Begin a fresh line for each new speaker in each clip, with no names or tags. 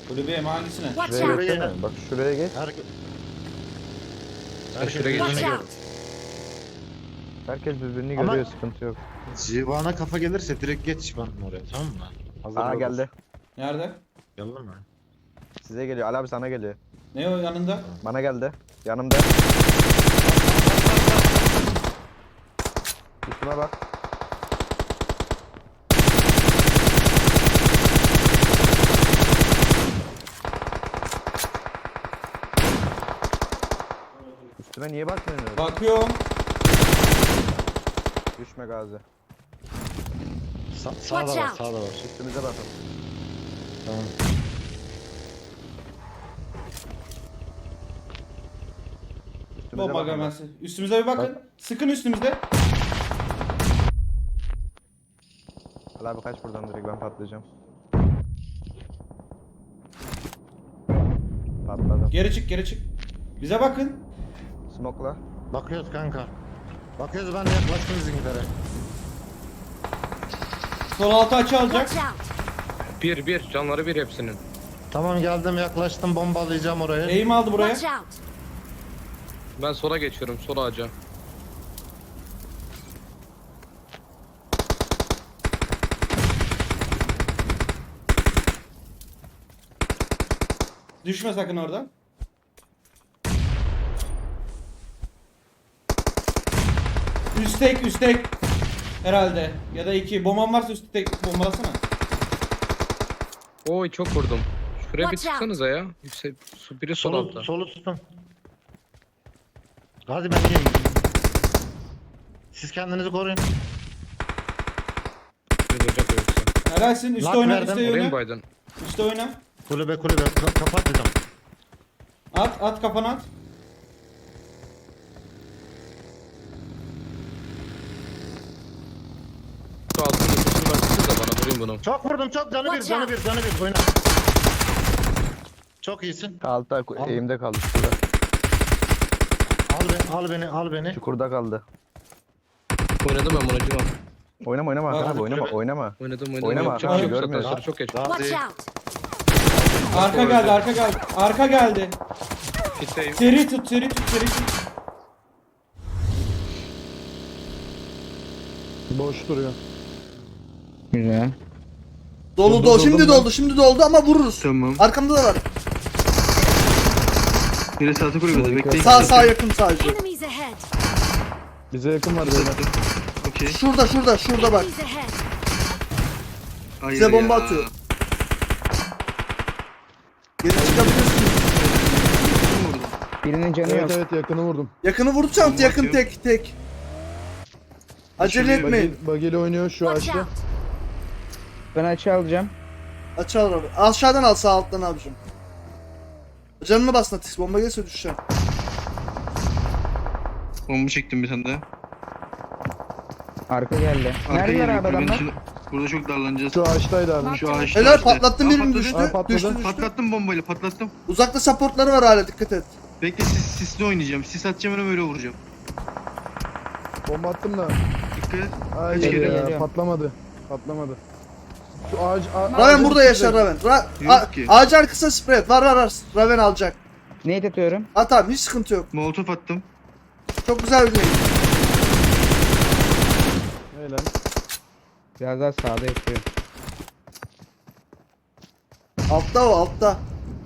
Kulübeye mi hangisine?
Watch
Şuraya
out!
geçsene. Bak şuraya geç.
Şuraya
Watch
geçelim.
out!
Herkes birbirini
Ama-
görüyor, sıkıntı yok.
Zivana kafa gelirse direkt geç bana oraya, tamam mı? Hazır
Aa
ol.
geldi.
Nerede?
Geldin mi?
Size geliyor. Ali abi sana geliyor.
Ne o yanında?
Bana geldi. Yanımda. Üstüme bak. Üstüme niye bakmıyorsun?
Bakıyorum.
Düşme Gazi.
Sağda
Watch
var,
out.
sağda var.
Üstümüze bakın.
Tamam.
Üstümüze
Bomba
bakın.
gelmesi. Üstümüze bir bakın. Sıkın üstümüzde.
Ali abi kaç buradan, direkt ben patlayacağım. Patladım.
Geri çık geri çık. Bize bakın.
Smoke'la.
Bakıyoruz kanka. Bakıyoruz, ben de yaklaştım bizimkilere.
Sol altı açı alacak.
Watch out!
Bir canları bir hepsinin.
Tamam, geldim, yaklaştım, bombalayacağım orayı.
Eğim aldı buraya.
Watch out!
Ben sola geçiyorum, sola ağaca.
Düşme sakın oradan. Üstek. Herhalde. Ya da iki. Bomban varsa üstek bombalasana.
Oy çok vurdum. Şuraya bir
Watch out.
çıksanıza ya. Yüksek, biri sol altta.
Solu tutun. Hadi ben geleyim. Siz kendinizi koruyun.
Bir duracak o yoksa.
Helalsin. Üste
Lock
oyna.
verdim.
Üste
Oraya mı
oyna.
baydın?
Üste oyna.
Kulübe kapat dedim.
At kafana at.
Şu altın nüfusunu baksanız da bana vurayım bunu.
Çok vurdum, çok canı bir,
Watch
canı
out.
bir, canı bir, oyna. Çok iyisin.
Altta
Al.
eğimde kaldı. Şurada.
Al beni.
Çukurda kaldı.
Oynadım ben bunu Cima.
Oynama
Bak,
Hakan abi,
hadi
oynama
kulübe.
oynadım.
Yapacak
Oynama,
bir şey
abi,
yok zaten,
görmüyorsun.
sarı çok geç.
Watch
Gazi.
out!
Arka geldi.
Kitleyim.
Seri tut.
Boş duruyor.
Güzel.
Dolu şimdi doldu ama vururuz.
Tamam.
Arkamda da var.
Biri sağ kulübede bekleyin.
Sağ yakın sadece.
Enemies ahead!
Bize yakın var böyle.
Okey.
Şurada bak.
Enemies ahead!
Hayır
Bize bomba
ya.
atıyor. Geri çıkabilirsin.
Birinin canı yok.
Evet yakını vurdum.
Yakını vuracağım.
Bomba
Yakın
atıyor.
tek. Acele etmeyin.
Bageli oynuyor şu
Watch
açtı.
out!
Ben açı alacağım.
Aç al abi. Aşağıdan al, sağ alttan abicim. Canını bas Natis. Bomba gelirse düşeceğim.
Bomba çektim bir tane de. Arka geldi. Arka Neredeler geliyor, abi kulübenin adamlar? içinde. Burada çok darlanacağız.
Şu ağaçtaydı abi.
Şu ağaçta.
Helal,
işte.
patlattım,
Aa,
birini
patladı.
düştü.
Aa, patladı.
Düştü.
Patlattım bombayla patlattım.
Uzakta supportları var hala, dikkat et.
Bekle sisli oynayacağım. Sis atacağım öyle vuracağım.
Bomba attım da.
Dikkat et.
Ay
Geliyor, geliyor.
patlamadı. Şu ağaç...
Raven burada yaşar Raven.
Yok ki.
Ağacın arkasına spray et. Var. Raven alacak.
Nate atıyorum.
At abi, hiç sıkıntı yok.
Molotof attım.
Çok güzel bir neydi.
Helal.
Biraz daha sağda yatıyor.
Altta o, altta.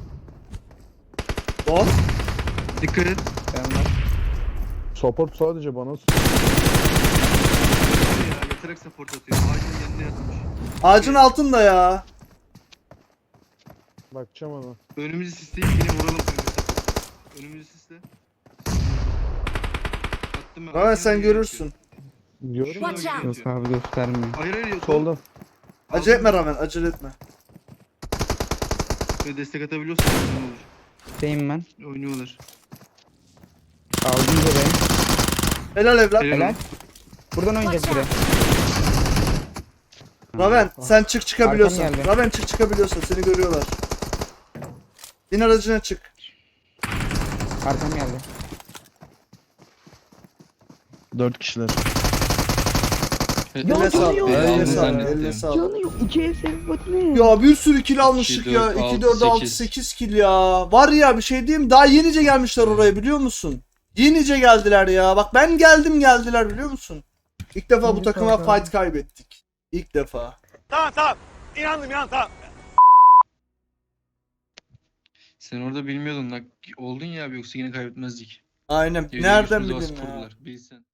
Bot.
Dikkat et. Canlar.
Support sadece bana.
Ya, yatarak support atıyor. Ağacın yanına yatmış.
Ağacın altında ya.
Bakacağım ona.
Önümüzü sisleyip yine vuralım. Önümüzü sisle. Attım ben.
Raven sen görürsün.
Diyorum.
Watch out!
Yok abi göstermiyor. Hayır yok.
Soldan.
Acele etme Raven, acele etme.
Böyle destek atabiliyorsan ne olur. Deyim ben. Oynuyorlar. Aldım burayı.
Helal evlat.
Helal. Buradan oynayacağız biri.
Raven sen çıkabiliyorsan.
Arkam geldi.
Raven çıkabiliyorsan, seni görüyorlar. Bin aracına çık.
Arkam geldi.
4 kişiler.
Eline sağlık.
yok.
Eline
Aldın
sağlık.
zannettim.
Eline sağlık.
Canı yok. 2 ev sebebi ne?
Ya bir sürü kill almıştık
2,
ya.
4,
2,
6,
4, 6,
8.
8 kill ya. Var ya bir şey diyeyim mi? Daha yenice gelmişler oraya biliyor musun? Yenice geldiler ya. Bak ben geldim geldiler biliyor musun? İlk defa bu takıma fight kaybettik. İlk defa.
Sen orada bilmiyordun. Oldun ya abi yoksa yine kaybetmezdik.
Aynen.
Evde
Nereden
güçlü
bileyim
baskı
ya?
kurdular, bilsen.